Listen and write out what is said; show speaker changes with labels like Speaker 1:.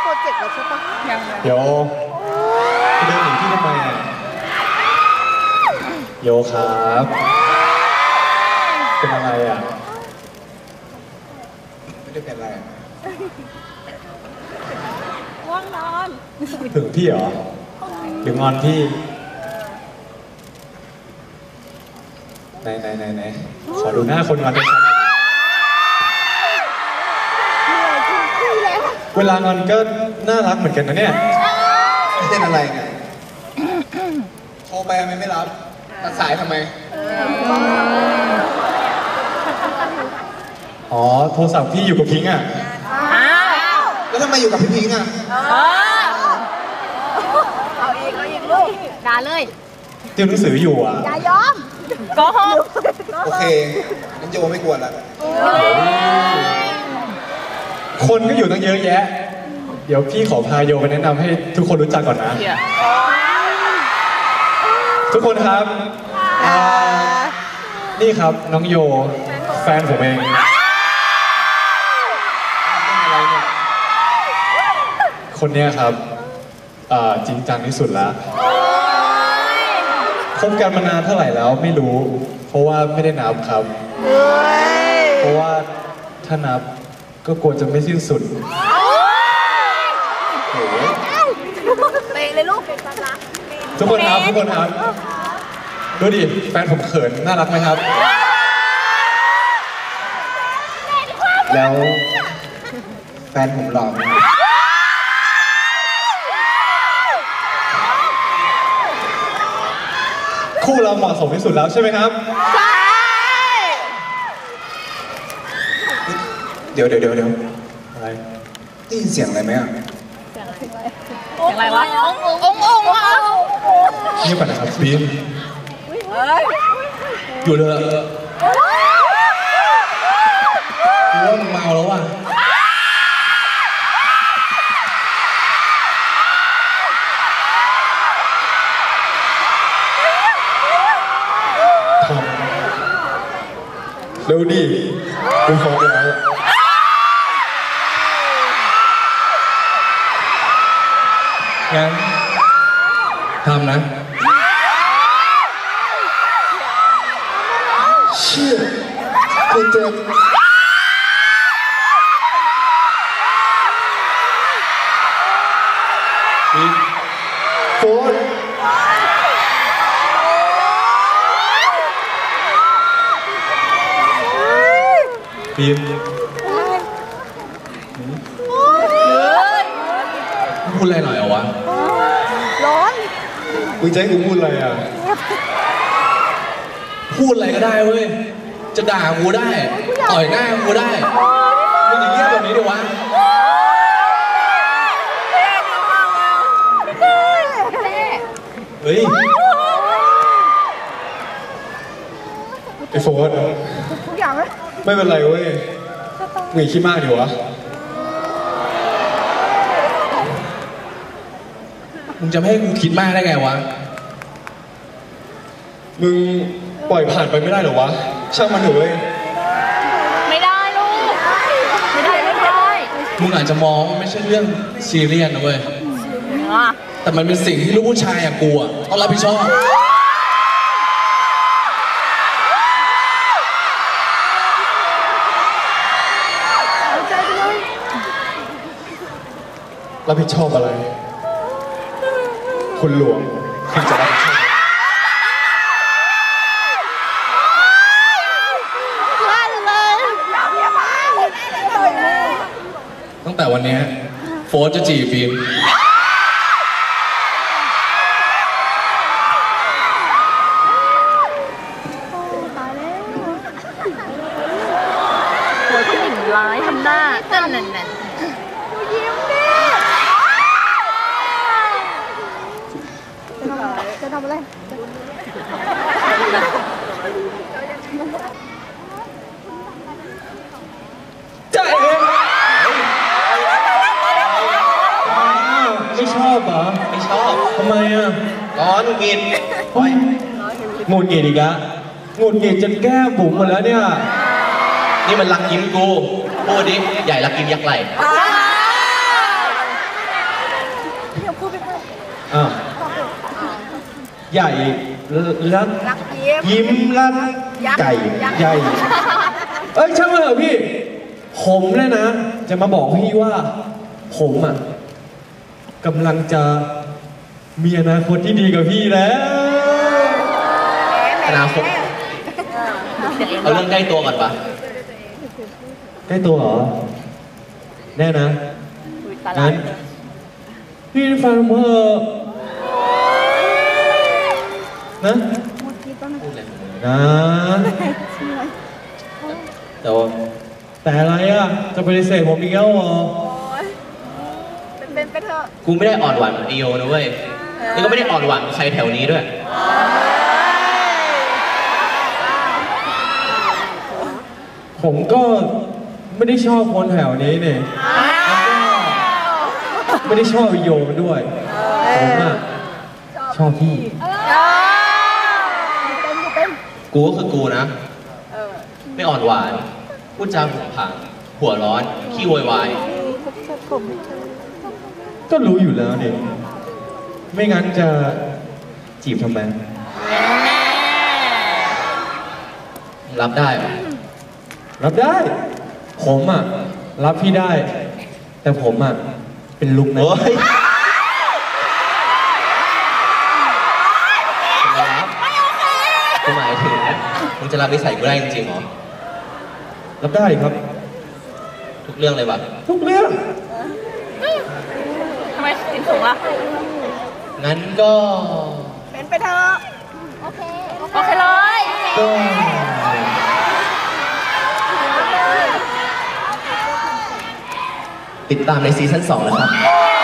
Speaker 1: รเจกต์แล้วใช่ปะ
Speaker 2: โยเดินหนีพี่ทำไมอ่ะโยครับเป็นอะไรอ่ะไม่ได้เป็นอะไร
Speaker 1: ว่างนอน
Speaker 2: ถึงพี่เหรอหรืองอนพี่ไหนขอดูหน้าคนงอนด้วยครับเวลางอนก็น่ารักเหมือนกันนะเนี่ยเป็นอะไรไงโทรไปทำไมไม่รับตัดสายทำไมอ๋อโทรศัพท์พี่อยู่กับพิงค์อ่ะแล้วทำไมอยู่กับพี่พิงค์อ่ะ
Speaker 1: เอาอีกลูกด่าเลย
Speaker 2: เตรียมหนังสืออยู่อ่ะ
Speaker 1: อย่ายอมก็หก
Speaker 2: โอเคงั้นโยไม่กวนละคนก็อยู่ตั้งเยอะแยะเดี๋ยวพี่ขอพาโยไปแนะนำให้ทุกคนรู้จักก่อนนะทุกคนครับนี่ครับน้องโยแฟนผมเองคนนี้ครับจริงจังที่สุดแล้วคบกันมานานเท่าไหร่แล้วไม่รู้เพราะว่าไม่ได้นับครับเพราะว่าถ้านับก็กลัวจะไม่สิ้นสุดโอ้โห
Speaker 1: เตะเลยลูก
Speaker 2: ทุกคนครับดูดิแฟนผมเขินน่ารักไหมครับแล้วแฟนผมหล่อไหมคู่เราเหมาะสมที่สุดแล้วใช่ไหมครับใช่เดี๋ยวอะไรได้ยินเสียงอะไรไหมอ่ะ
Speaker 1: เสียงอะไรวะองวะ
Speaker 2: เงียบก่อนนะครับบีมอยู่เลยกูว่ามึงเมาแล้วว่ะเร็วดิกูขอเดี๋ยวงั้นทำนะเชี่ยกูเจ็บบีมโฟนบีมพูดอะไรหน่อยเหรอวะ
Speaker 1: ร้อน
Speaker 2: มึงจะให้กูพูดอะไรอ่ะพูดอะไรก็ได้เว้ยจะด่ากูได้ต่อยหน้ากูได้มึงอย่างเงี้ยแบบนี้ดิวะเฮ้ยไอ้โฟน
Speaker 1: ทุกอย่างไหม
Speaker 2: ไม่เป็นไรเว้ยมึงคิดมากดิวะมึงจะไม่ให้กูคิดมากได้ไงวะมึงปล่อยผ่านไปไม่ได้หรอวะช่างมันเถอะเว้ย
Speaker 1: ไม่ได้ลูกไม่ได้
Speaker 2: มึงอาจจะมองว่าไม่ใช่เรื่องซีเรียสนะเว้ยแต่มันเป็นสิ่งที่ลูกผู้ชายอย่างกูอ่ะต้องรับผิดชอบรับผิดชอบอะไรคุณหลวงคุณจะรับผิดชอบตั้งแต่วันนี้โฟร์จะจีบฟิล์ม
Speaker 1: หัวผู้หญิงร้ายทำหน้านั่นยิ้มดิจะทำอะไร
Speaker 2: จ่ายเลยไม่ชอบเหรอไม่ชอบทำไมอ่ะร้อนหงุดหงิดหงุดหงิดอีกแล้วหงุดหงิดจนแก้มบุ๋มหมดแล้วเนี่ยนี่มันรักยิ้มกูพูดดิใหญ่รักยิ้มยักษ์ไหลอ่ะใหญ่รัก
Speaker 1: รักยิ้ม
Speaker 2: ยิ้มรักไก่ใหญ่เอ้ยช่างมันเถอะพี่ผมเลยนะจะมาบอกพี่ว่าผมอ่ะกำลังจะมีอนาคตที่ดีกับพี่แล้ว
Speaker 3: อนาคตเอาเรื่องใกล้ตัวก่อนปะ
Speaker 2: ได้ตัวเหรอแน่นะงั้นพี่ฟังผมเถอะนะ
Speaker 3: พูดเลย
Speaker 2: นะ
Speaker 3: แต่ว่า
Speaker 2: แต่อะไรอ่ะจะปฏิเสธผมอีกแล้วเหรอ
Speaker 1: เป็นไปเถอะ
Speaker 3: กูไม่ได้อ่อนหวานเหมือนไอโยนะเว้ยแล้วก็ไม่ได้อ่อนหวานกับใครแถวนี้ด้วย
Speaker 2: ผมก็ไม่ได้ชอบคนแถวนี้เนี่ยแล้วก็ไม่ได้ชอบวิโยมันด้วยผมอ่ะชอบพี่
Speaker 3: กูก็คือกูนะ ไม่อ่อนหวาน พูดจาผงผางหัวร้อน ขี้โวยวาย
Speaker 2: ก็รู้อยู่แล้วเนี่ยไม่งั้นจะจีบทำไม
Speaker 3: รับได้ปะ
Speaker 2: รับได้ ผมอ่ะรับพี่ได้ แต่ผมอ่ะเป็นลุงนะ
Speaker 3: โอ้ยจะรับกูหมายถึงมึงจะรับนิสัยกูได้จริงๆเหรอ
Speaker 2: รับได้ครับ
Speaker 3: ทุกเรื่องเลยปะ
Speaker 2: ทุกเรื่อง
Speaker 1: ทำไมถึงสูงล่ะ
Speaker 3: งั้นก็
Speaker 1: เป็นไปเถอะโอเคเลย
Speaker 2: ก็
Speaker 3: ติดตามในซีซั่น2นะครับ